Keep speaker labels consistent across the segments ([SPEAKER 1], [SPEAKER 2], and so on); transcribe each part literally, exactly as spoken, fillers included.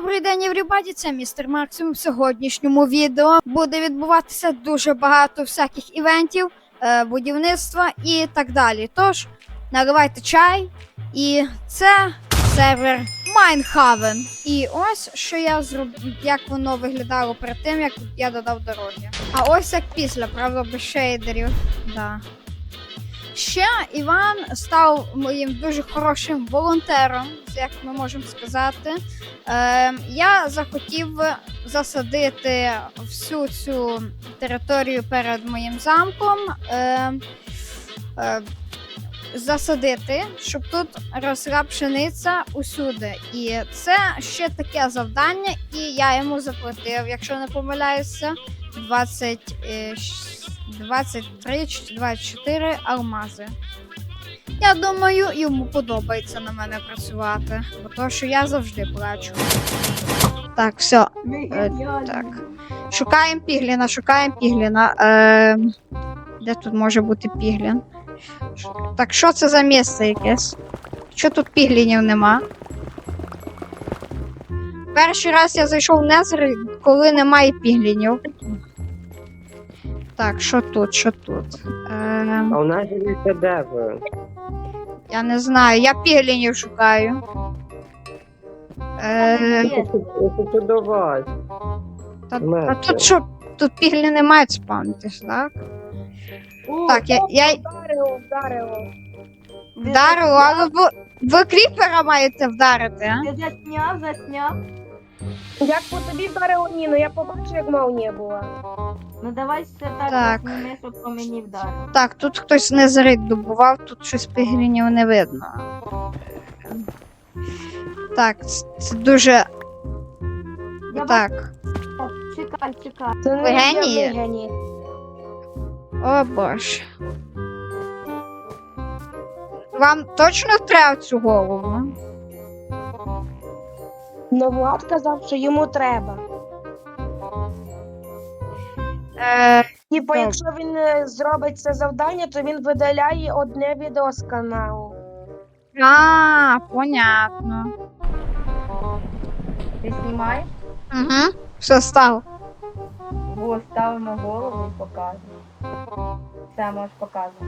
[SPEAKER 1] Добрий день, everybody, це містер Максим. В сьогоднішньому відео буде відбуватися дуже багато всяких івентів, е, будівництва і так далі. Тож, наливайте чай, і це сервер Майнхавен. І ось, що я зробив, як воно виглядало перед тим, як я додав дороги. А ось як після, правда, без шейдерів. Да. Ще Іван став моїм дуже хорошим волонтером, як ми можемо сказати. Е, я захотів засадити всю цю територію перед моїм замком, е, е, засадити, щоб тут росла пшениця усюди. І це ще таке завдання, і я йому заплатив, якщо не помиляюся, двадцять, двадцять три чи двадцять чотири алмази. Я думаю, йому подобається на мене працювати, бо то, що я завжди плачу. Так, все. Е, так. Шукаємо пігліна, шукаємо пігліна. Е, де тут може бути піглін? Так, що це за місце якесь? Що тут піглінів нема? Перший раз я зайшов в Незер, коли немає піглінів. Так, що тут, що тут? Е...
[SPEAKER 2] А у нас є де ви?
[SPEAKER 1] Я не знаю, я піглінів шукаю. Е...
[SPEAKER 2] Це до вас.
[SPEAKER 1] Та, а тут що? Тут піглі не мають спавнитись, так?
[SPEAKER 3] О,
[SPEAKER 1] Так, я... я...
[SPEAKER 3] Вдарило, вдарило.
[SPEAKER 1] Вдарило, але ви, ви кріпера маєте вдарити, а?
[SPEAKER 3] Ти засняв, засняв. Як по тобі вдарило Ніну, я побачив, як молнія була. Ну давай все так,
[SPEAKER 1] Так.
[SPEAKER 3] засніми, щоб по мені вдарило.
[SPEAKER 1] Так, тут хтось незрит добував, тут щось піглінів не видно. Так, це, це дуже...
[SPEAKER 3] Я
[SPEAKER 1] Так.
[SPEAKER 3] Чекай, чекай. Це
[SPEAKER 1] Ви генії?
[SPEAKER 3] генії.
[SPEAKER 1] О боже. Вам точно треба цю голову?
[SPEAKER 3] Ну Влад казав, що йому треба.
[SPEAKER 1] Е,
[SPEAKER 3] Типу,
[SPEAKER 1] Так.
[SPEAKER 3] якщо він е, зробить це завдання, то він видаляє одне відео з каналу.
[SPEAKER 1] а, понятно.
[SPEAKER 3] Ти знімаєш?
[SPEAKER 1] Угу. Все стало.
[SPEAKER 3] Бо ставимо голову і показуємо. Все, можеш показувати.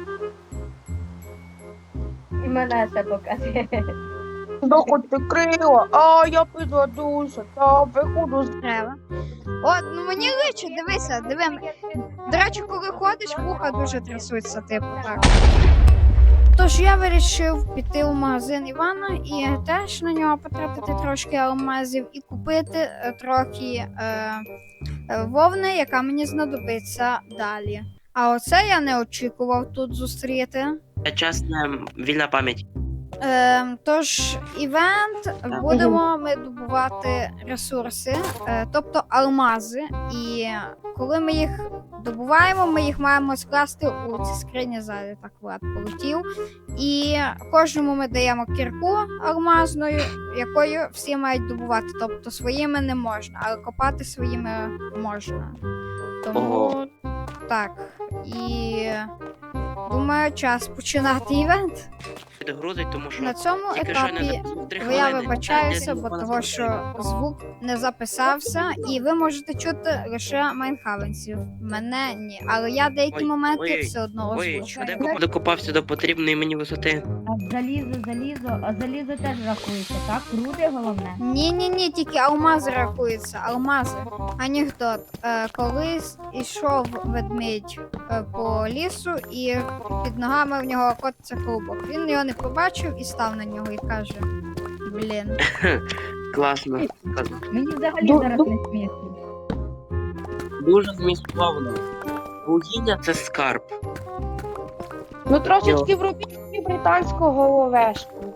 [SPEAKER 3] І мене ще показує. Доходь ти крила, а я підведуся, та виходу з...
[SPEAKER 1] Треба. От, ну мені личить, дивися, диви. До речі, коли ходиш, вуха дуже трясуться, типу, так. Тож я вирішив піти у магазин Івана і теж на нього потратити трошки алмазів і купити е, трохи е, е, вовни, яка мені знадобиться далі. А оце я не очікував тут зустріти.
[SPEAKER 2] Чесна вільна пам'ять.
[SPEAKER 1] Е, тож, івент будемо ми добувати ресурси, е, тобто алмази. І коли ми їх добуваємо, ми їх маємо скласти у ці скрині ззаді, так Влад полетів. І кожному ми даємо кірку алмазною, якою всі мають добувати. Тобто своїми не можна, але копати своїми можна. Тому
[SPEAKER 2] Ого.
[SPEAKER 1] так. І думаю, час починати івент.
[SPEAKER 2] Підгрузить, тому що
[SPEAKER 1] На цьому
[SPEAKER 2] тільки що не
[SPEAKER 1] етапі
[SPEAKER 2] записав три
[SPEAKER 1] я
[SPEAKER 2] хвилини.
[SPEAKER 1] вибачаюся,
[SPEAKER 2] Де
[SPEAKER 1] бо
[SPEAKER 2] вона
[SPEAKER 1] того,
[SPEAKER 2] зробила?
[SPEAKER 1] що звук не записався, і ви можете чути лише майнхавенців. Мене ні. Але я деякі
[SPEAKER 2] Ой,
[SPEAKER 1] моменти
[SPEAKER 2] ой,
[SPEAKER 1] все одно
[SPEAKER 2] Ой,
[SPEAKER 1] озвучу.
[SPEAKER 2] швидко докопався до потрібної мені висоти.
[SPEAKER 4] А залізо, залізо, а залізо теж рахується, так? Руди головне.
[SPEAKER 1] Ні, ні, ні, тільки алмази рахуються. Алмази. Анекдот. Е, колись ішов ведмідь е, по лісу, і під ногами в нього котиться клубок. Він його не побачив і став на нього і каже: блін.
[SPEAKER 2] Класно. Класно.
[SPEAKER 4] Мені взагалі
[SPEAKER 3] Ду-
[SPEAKER 4] зараз
[SPEAKER 3] ду-
[SPEAKER 4] не смішно.
[SPEAKER 2] Дуже змістовно. Вугілля це скарб.
[SPEAKER 3] Ну трошечки вробіть собі британську головешку.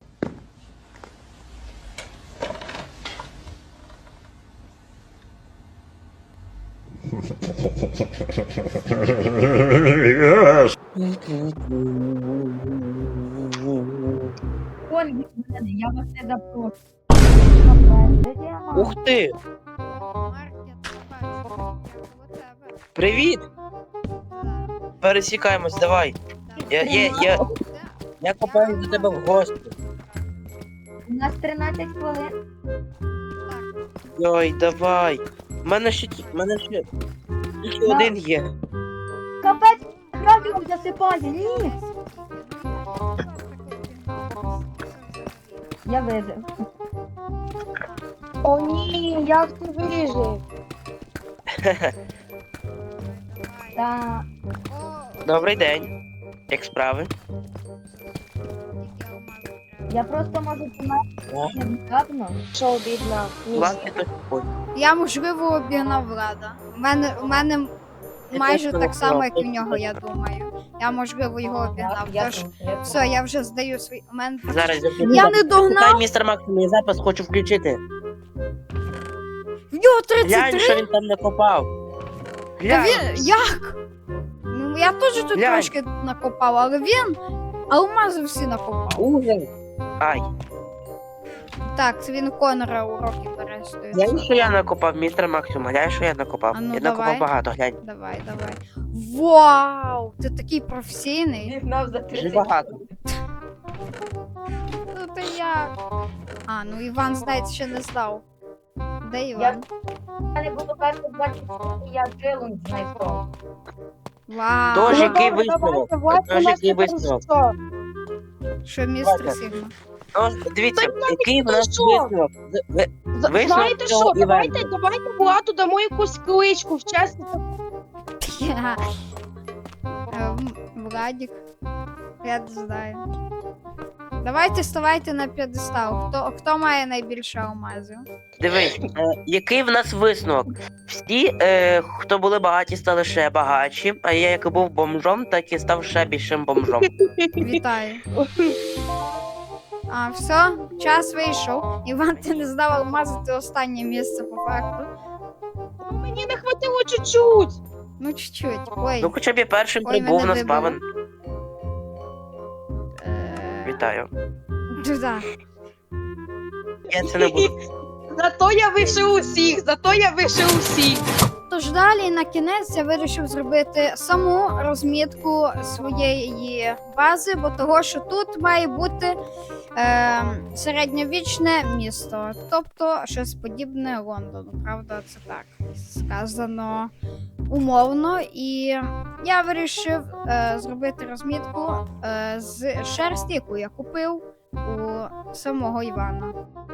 [SPEAKER 4] Вон від мене, я вас не запрошую.
[SPEAKER 2] Ух ти!
[SPEAKER 1] Маркет, бачу, у тебе.
[SPEAKER 2] Привіт! Пересікаємось, давай. Я, я, я, я копаю до тебе в гості.
[SPEAKER 4] У нас тринадцять хвилин.
[SPEAKER 2] Ой-ой-ой, давай. У мене ще, ті- в мене ще, ще
[SPEAKER 4] На.
[SPEAKER 2] один є.
[SPEAKER 4] Капець, радіо засипає, ні. Я вижив.
[SPEAKER 3] О ні, як ти вижив?
[SPEAKER 4] Та
[SPEAKER 2] Добрий день. Як справи?
[SPEAKER 4] я просто можу померти невдавно.
[SPEAKER 3] Що бідна?
[SPEAKER 2] Власне, то ой.
[SPEAKER 1] Я, можливо, обігнав Влада. У мене, у мене майже
[SPEAKER 2] теж
[SPEAKER 1] так само, як і в
[SPEAKER 2] обігнав.
[SPEAKER 1] нього, я думаю. Я, можливо, його обігнав.
[SPEAKER 4] Я
[SPEAKER 1] Тож,
[SPEAKER 4] тут, я тут.
[SPEAKER 1] все, я вже здаю свій. У мене...
[SPEAKER 2] Зараз я
[SPEAKER 1] Я не догнав!
[SPEAKER 2] Чекай, містер Максим, я запис хочу включити.
[SPEAKER 1] В нього тридцять
[SPEAKER 2] Глянь,
[SPEAKER 1] три!
[SPEAKER 2] що він там накопав.
[SPEAKER 1] Та
[SPEAKER 2] Глянь.
[SPEAKER 1] він... Як? Ну, я теж тут
[SPEAKER 2] Глянь.
[SPEAKER 1] трошки накопав, але він алмази всі накопав.
[SPEAKER 2] Ужас. Ай.
[SPEAKER 1] Так, це він у Конора уроки перестує.
[SPEAKER 2] Глянь, що я накопав, містер Максим, глянь, що я накопав.
[SPEAKER 1] А ну,
[SPEAKER 2] я
[SPEAKER 1] давай.
[SPEAKER 2] накопав багато, глянь.
[SPEAKER 1] Давай, давай. Вау! Ти такий професійний.
[SPEAKER 4] Вігнав за
[SPEAKER 2] Дуже
[SPEAKER 4] тридцять.
[SPEAKER 2] багато.
[SPEAKER 1] Ну ти як? А, ну Іван, здається, ще не здав. Де Іван?
[SPEAKER 4] Я не буду перших двадцять, я челендж знайшов.
[SPEAKER 1] Вау!
[SPEAKER 2] Тож,
[SPEAKER 3] Ну,
[SPEAKER 2] який
[SPEAKER 3] добре,
[SPEAKER 2] висновок?
[SPEAKER 3] давайте, Влад,
[SPEAKER 2] Тож,
[SPEAKER 3] у нас
[SPEAKER 2] який
[SPEAKER 3] тепер
[SPEAKER 2] висновок?
[SPEAKER 3] що?
[SPEAKER 1] Що містер
[SPEAKER 2] Давайте.
[SPEAKER 1] Сігма?
[SPEAKER 2] Ну, дивіться, який в
[SPEAKER 3] ну
[SPEAKER 2] нас
[SPEAKER 3] що?
[SPEAKER 2] висновок? Ви-
[SPEAKER 3] З-
[SPEAKER 2] Висновок
[SPEAKER 3] Знаєте
[SPEAKER 2] цього
[SPEAKER 3] що, давайте,
[SPEAKER 2] івенту.
[SPEAKER 3] давайте Владу дамо якусь кличку, в честь.
[SPEAKER 1] Ем, Владик. Я не знаю. Давайте ставайте на п'єдестал. Хто, хто має найбільше алмазів?
[SPEAKER 2] Дивись, е, який в нас висновок? Всі, е, хто були багаті, стали ще багатші, а я як був бомжом, так і став ще більшим бомжом.
[SPEAKER 1] Вітаю. А, все, час вийшов. Іван, ти не здав алмази, ти останнє місце по факту.
[SPEAKER 3] Ну, мені не хватило чуть-чуть.
[SPEAKER 1] Ну, чуть-чуть. Ой.
[SPEAKER 2] Ну хоча б я першим
[SPEAKER 1] Ой,
[SPEAKER 2] прибув
[SPEAKER 1] мене
[SPEAKER 2] на
[SPEAKER 1] вибило.
[SPEAKER 2] спавен.
[SPEAKER 1] Е,
[SPEAKER 2] Вітаю.
[SPEAKER 1] Туди.
[SPEAKER 2] Я це не буду.
[SPEAKER 3] Зато я вийшов усіх, зато я вийшов усіх.
[SPEAKER 1] Тож далі на кінець я вирішив зробити саму розмітку своєї бази, бо того, що тут має бути е, середньовічне місто, тобто щось подібне Лондону. Правда, це так сказано умовно. І я вирішив е, зробити розмітку е, з шерсті, яку я купив у самого Івана.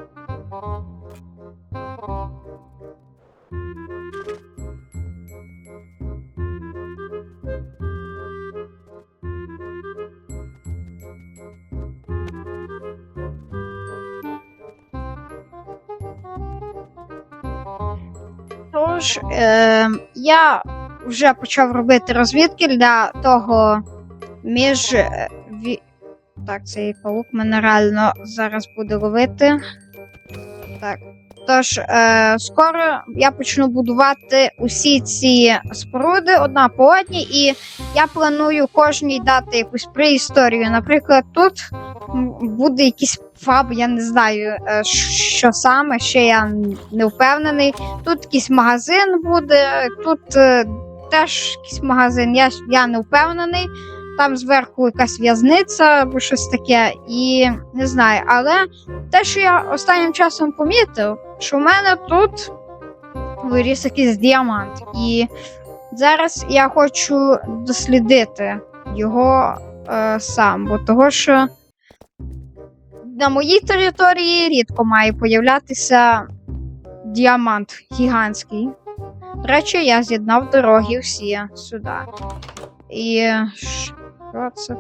[SPEAKER 1] Тож, е, я вже почав робити розвідки для того між. е, ві- Так, цей паук мене реально зараз буде ловити. Так. Тож, е, скоро я почну будувати усі ці споруди одна по одній, і я планую кожній дати якусь преісторію. Наприклад, тут м, буде якийсь фаб, я не знаю, е, що саме, ще я не впевнений. Тут якийсь магазин буде, тут е, теж якийсь магазин, я, я не впевнений. Там зверху якась в'язниця або щось таке, і не знаю. Але те, що я останнім часом помітив, що в мене тут виріс якийсь діамант. І зараз я хочу дослідити його е, сам, бо того, що на моїй території рідко має появлятися діамант гігантський. До речі, я з'єднав дороги всі сюди. І що це?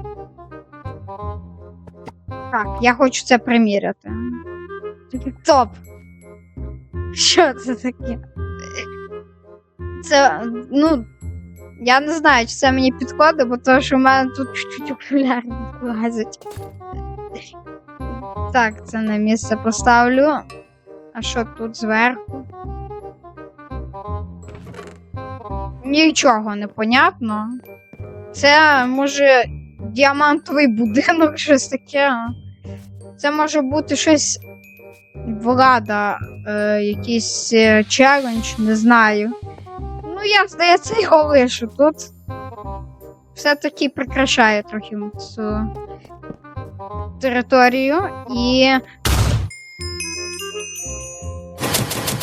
[SPEAKER 1] Так, я хочу це приміряти. Топ! Що це таке? Це, ну, я не знаю, чи це мені підходить, бо то, що в мене тут чуть-чуть окуляри лазять. Так, це на місце поставлю. А що тут зверху? Нічого не понятно. Це може діамантовий будинок, щось таке. Це може бути щось влада, е, якийсь е, челендж, не знаю. Ну, я, здається, його лишу тут. Все-таки прикрашає трохи цю територію і.